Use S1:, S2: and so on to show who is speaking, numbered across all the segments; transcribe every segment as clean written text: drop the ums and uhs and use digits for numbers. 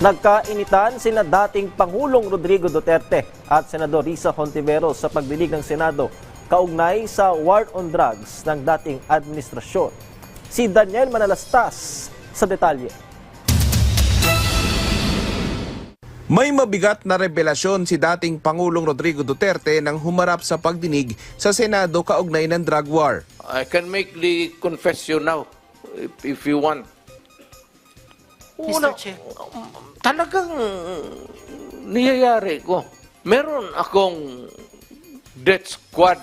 S1: Nagkainitan sina dating Pangulong Rodrigo Duterte at Senador Risa Hontiveros sa pagdinig ng Senado kaugnay sa war on drugs ng dating administrasyon. Si Daniel Manalastas sa detalye.
S2: May mabigat na revelasyon si dating Pangulong Rodrigo Duterte nang humarap sa pagdinig sa Senado kaugnay ng drug war.
S3: I can make the confession now, if you want.
S4: Mr. Chair.
S3: Talagang niyayari ko. Meron akong death squad.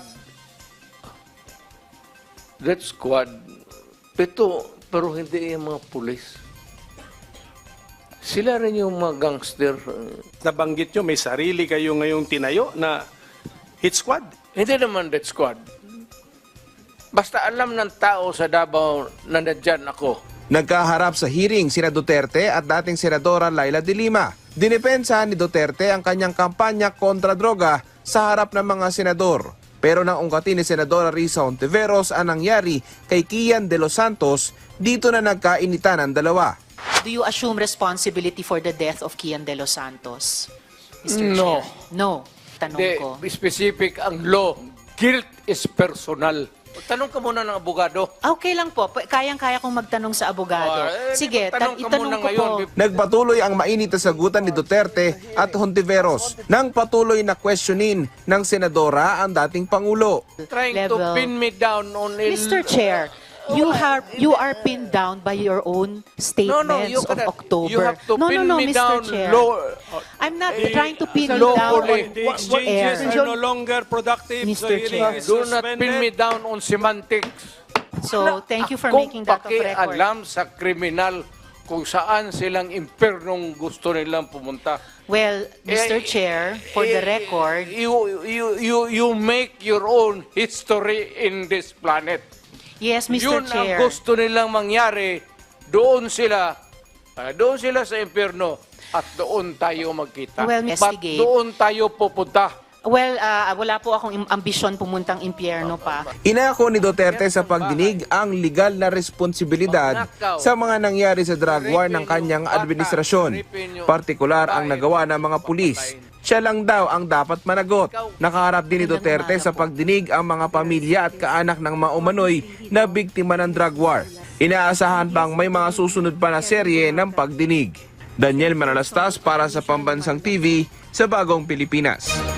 S3: Pero hindi yung mga pulis. Sila rin yung mga gangster.
S5: Nabanggit nyo, may sarili kayo ngayong tinayo na hit squad.
S3: Hindi naman death squad. Basta alam ng tao sa Davao na nandyan ako.
S2: Nagkaharap sa hearing sina Duterte at dating Senadora Laila de Lima. Dinepensa ni Duterte ang kanyang kampanya kontra droga sa harap ng mga senador. Pero nang ungkatin ni Senadora Risa Hontiveros ang nangyari kay Kian de los Santos, dito na nagkainitan ang dalawa.
S4: Do you assume responsibility for the death of Kian de los Santos, Mr.
S3: No.
S4: Chair? No. Tanong ko.
S3: Specific ang law. Guilt is personal. Tanong ka muna ng abogado.
S4: Okay lang po. Kayang-kaya kong magtanong sa abogado. Sige, itanong ko po.
S2: Nagpatuloy ang mainit na sagutan ni Duterte at Hontiveros nang patuloy na questionin ng senadora ang dating Pangulo.
S3: Trying to pin me down on
S4: Mr. Chair, you are pinned down by your own statements of October.
S3: You have to pin me
S4: Mr.
S3: down.
S4: Chair. I'm not trying to pin you down on
S5: The exchanges
S4: air.
S5: are no longer productive.
S4: Mr.
S5: The hearing
S4: Chair.
S5: is
S3: Do not
S5: suspended.
S3: pin me down on semantics.
S4: So, thank you for making that of record.
S3: alam sa kriminal kung saan silang impernong gusto nilang pumunta.
S4: Well, Mr. Chair, for the record,
S3: You make your own history in this planet.
S4: yes, Mr.
S3: Yun
S4: Chair.
S3: ang gusto nilang mangyari. Doon sila sa impyerno at doon tayo magkita.
S4: Well,
S3: But
S4: investigate.
S3: doon tayo pupunta.
S4: Well, wala po akong ambisyon pumuntang impyerno pa.
S2: Inako ni Duterte sa pagdinig ang legal na responsibilidad sa mga nangyari sa drug war ng kanyang administrasyon, partikular ang nagawa ng mga pulis. Siya lang daw ang dapat managot. Nakaharap din ni Duterte sa pagdinig ang mga pamilya at kaanak ng mga umano'y na biktima ng drug war. Inaasahan pang may mga susunod pa na serye ng pagdinig. Daniel Manalastas para sa Pambansang TV sa Bagong Pilipinas.